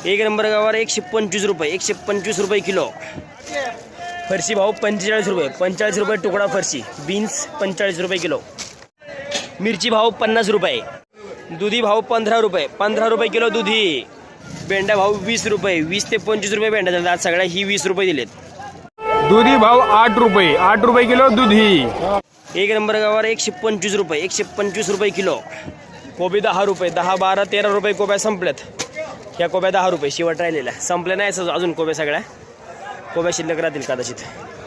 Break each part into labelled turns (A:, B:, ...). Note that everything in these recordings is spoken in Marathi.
A: एक नंबर गवार 125 रुपये, 125 रुपये किलो। फरशी भाव 45 रुपये, 45 रुपये तुकडा फरशी। बीन्स 45 रुपये किलो। मिरची भाव 50 रुपये। दुधी भाव 15 रुपये, 15 रुपये किलो दुधी। भेंडा भाव 20 रुपये, 20 ते 25 रुपये भेंडा झाला। आज सगळ्या ही 20 रुपये दिलेत।
B: दुधी भाव 8 रुपये, 8 रुपये किलो दुधी।
A: एक नंबर गवार 125 रुपये, 125 रुपये किलो। कोबी 10 रुपये, 10, 12, 13 रुपये कोब्या संपल्यात। ह्या कोब्या 10 रुपये शेवट राहिलेल्या, संपल्या नाही अजून कोब्या, सगळ्या कोब्या शिल्लक राहतील कदाचित।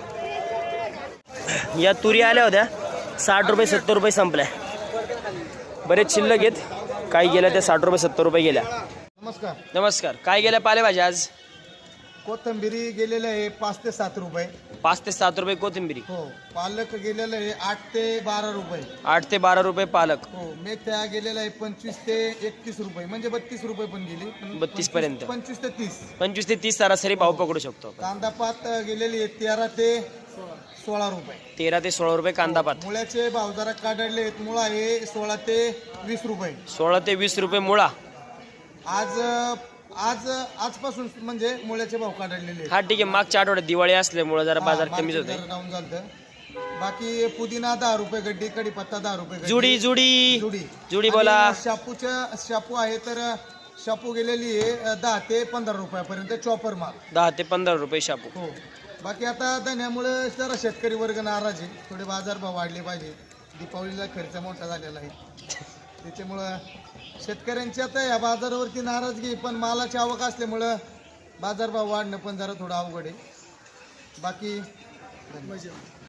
A: या तुरी आल्या होत्या 60 रुपये 70 रुपये संपल्या, बरेच शिल्लक आहेत। काही गेल्या त्या 60 रुपये 70 रुपये गेल्या।
C: नमस्कार
A: नमस्कार, काय गेल्या पालेभाज्या आज?
C: कोथिंबिरी गेलेलं आहे 5 ते 7 रुपये,
A: 5 ते 7 रुपये कोथिंबिरी।
C: हो. पालक गेलेलं आहे 8 ते 12 रुपये,
A: 8 ते 12 रुपये पालक।
C: हो. मेथ्या गेलेला आहे 25 ते 31 रुपये, म्हणजे 32 रुपये पण गेली,
A: 32 पर्यंत,
C: 25 ते 30,
A: 25 ते 30 सरासरी भाव पकडू शकतो।
C: कांदा पात गेलेली आहे 13 ते 16 रुपये,
A: 13 ते 16 रुपये कांदा पात।
C: मुळ्याचे भाव जरा काढले आहेत। मुळा आहे 16 ते 20 रुपये,
A: 16 ते 20 रुपये मुळा।
C: आजपासून म्हणजे मुळ्याचे भाव काढलेले
A: हा ठीक आहे, मागच्या आठवड्यात दिवाळी असल्यामुळे जरा बाजार कमीच होते।
C: डाऊन झालं। बाकी पुदिना 10 रुपये गड्डी, कढीपत्ता 10 रुपये गड्डी।
A: जुडी जुडी
C: जुडी
A: जुडी बोला।
C: आणि शापू आहे तर शापू गेलेली आहे 10 ते 15 रुपयापर्यंत चॉपर माल,
A: 10 ते 15 रुपये शापू।
C: हो. बाकी आता धन्यामुळे जरा शेतकरी वर्ग नाराज आहे, थोडे बाजारभाव वाढले पाहिजे। दीपावलीला खर्च मोठा झालेला आहे, त्याच्यामुळं शेतकऱ्यांची आता या बाजारावरती नाराजगी, पण मालाची आवक असल्यामुळं बाजारभाव वाढणं पण जरा थोडं अवघड आहे। बाकी